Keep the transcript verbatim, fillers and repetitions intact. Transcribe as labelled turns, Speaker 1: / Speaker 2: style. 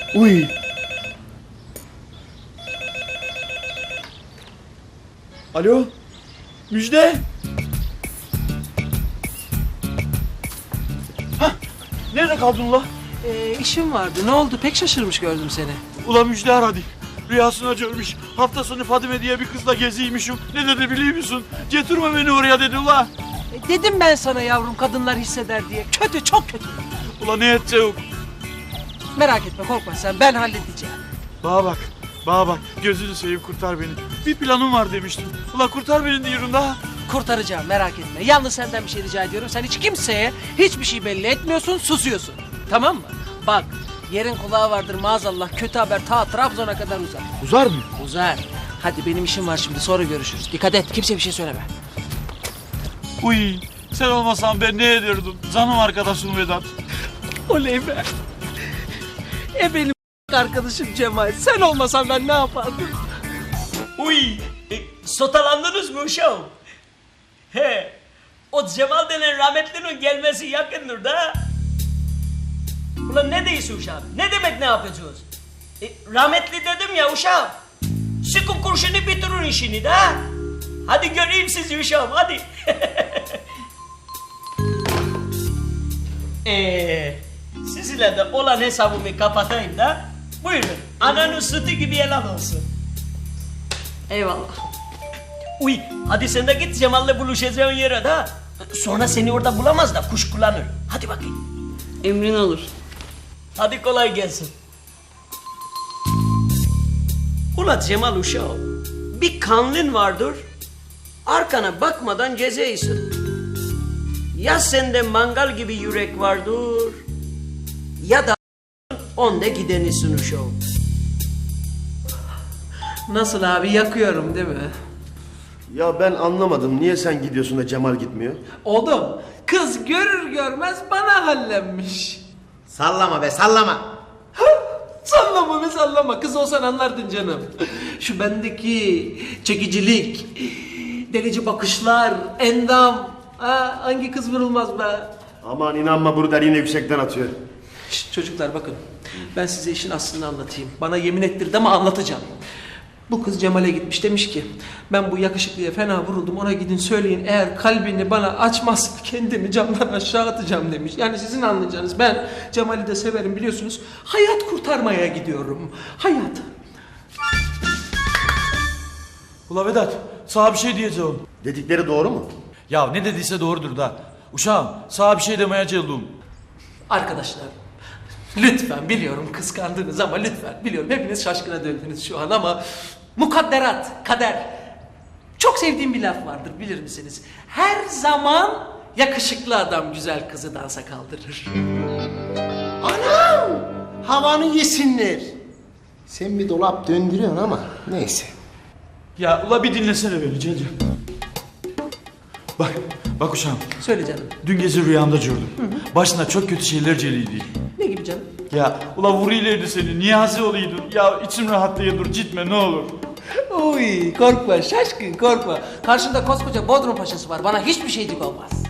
Speaker 1: Uy. Alo. Müjde. Hah. Nerede kaldın ula?
Speaker 2: Ee, işim vardı. Ne oldu? Pek şaşırmış gördüm seni.
Speaker 1: Ula Müjde aradı. Rüyasına görmüş. Hafta sonu Fadime diye bir kızla geziymişim. Ne dedi biliyor musun? Getirme beni oraya dedi ula.
Speaker 2: E, dedim ben sana yavrum, kadınlar hisseder diye. Kötü, çok kötü.
Speaker 1: Ula ne edeceğim?
Speaker 2: Merak etme, korkma sen. Ben halledeceğim.
Speaker 1: Bana bak. Bana bak. Gözünü seveyim kurtar beni. Bir planım var demiştim. Ula kurtar beni diyorum da.
Speaker 2: Kurtaracağım, merak etme. Yalnız senden bir şey rica ediyorum. Sen hiç kimseye hiçbir şey belli etmiyorsun, susuyorsun. Tamam mı? Bak, yerin kulağı vardır maazallah. Kötü haber ta Trabzon'a kadar uzar.
Speaker 1: Uzar mı?
Speaker 2: Uzar. Hadi benim işim var şimdi, sonra görüşürüz. Dikkat et, kimseye bir şey söyleme.
Speaker 1: Uy. Sen olmasan ben ne ederdim? Canım arkadaşım Vedat.
Speaker 2: Oley be. E benim arkadaşım Cemal. Sen olmasan ben ne yapardım?
Speaker 3: Uy, e, sotalandınız mı uşağım? He, o Cemal denen rahmetlinin gelmesi yakındır da. Ulan ne diyorsun uşağım? Ne demek ne yapacağız? E, rahmetli dedim ya uşağım. Sıkın kurşunu bitirin işini de. Hadi göreyim sizi uşağım, hadi. Eee, sizinle de olan hesabımı kapatayım da. Buyurun, ananın sütü gibi helal olsun. Eyvallah. Uy, hadi sen de git Cemal'le buluşacağın yere de. Sonra seni orada bulamaz da kuş kullanır. Hadi bakayım.
Speaker 4: Emrin olur.
Speaker 3: Hadi kolay gelsin. Ula Cemal uşağım, bir kanlın vardır, arkana bakmadan gezeysin. Ya sende mangal gibi yürek vardır, ya da onda gidenisin uşağım.
Speaker 2: Nasıl abi, yakıyorum değil mi?
Speaker 5: Ya ben anlamadım. Niye sen gidiyorsun da Cemal gitmiyor?
Speaker 2: Oğlum, kız görür görmez bana hallenmiş.
Speaker 6: Sallama be sallama.
Speaker 2: Sallama be sallama, kız olsan anlardın canım. Şu bendeki çekicilik, delici bakışlar, endam. Ha, hangi kız vurulmaz be?
Speaker 5: Aman inanma Bruder yine yüksekten atıyor.
Speaker 2: Şşt, çocuklar bakın, ben size işin aslını anlatayım. Bana yemin ettirdi ama anlatacağım. Bu kız Cemal'e gitmiş, demiş ki ben bu yakışıklıya fena vuruldum, ona gidin söyleyin, eğer kalbini bana açmazsa kendimi camdan aşağı atacağım demiş. Yani sizin anlayacağınız, ben Cemal'i de severim biliyorsunuz, hayat kurtarmaya gidiyorum. Hayat.
Speaker 1: Ula Vedat, sana bir şey diyeceğim.
Speaker 5: Dedikleri doğru mu?
Speaker 1: Ya ne dediyse doğrudur da. Uşağım, sana bir şey demeye geldim.
Speaker 2: Arkadaşlar, lütfen, biliyorum kıskandınız ama lütfen, biliyorum hepiniz şaşkına döndünüz şu an ama mukadderat, kader. Çok sevdiğim bir laf vardır, bilir misiniz? Her zaman yakışıklı adam güzel kızı dansa kaldırır.
Speaker 6: Anam! Havanı yesinler. Sen bir dolap döndürüyorsun ama neyse.
Speaker 1: Ya ula bir dinlesene beni Celil. Bak, bak uşağım.
Speaker 2: Söyle canım.
Speaker 1: Dün gece rüyamda gördüm. Başına çok kötü şeyler geliydi.
Speaker 2: Ne gibi canım?
Speaker 1: Ya ula vuruylaydı seni, niyazi oluydun. Ya içim rahatlaya dur, gitme ne olur.
Speaker 2: Oy, korkma şaşkın, korkma. Karşında koskoca Bodrum Paşası var, bana hiçbir şeycik olmaz.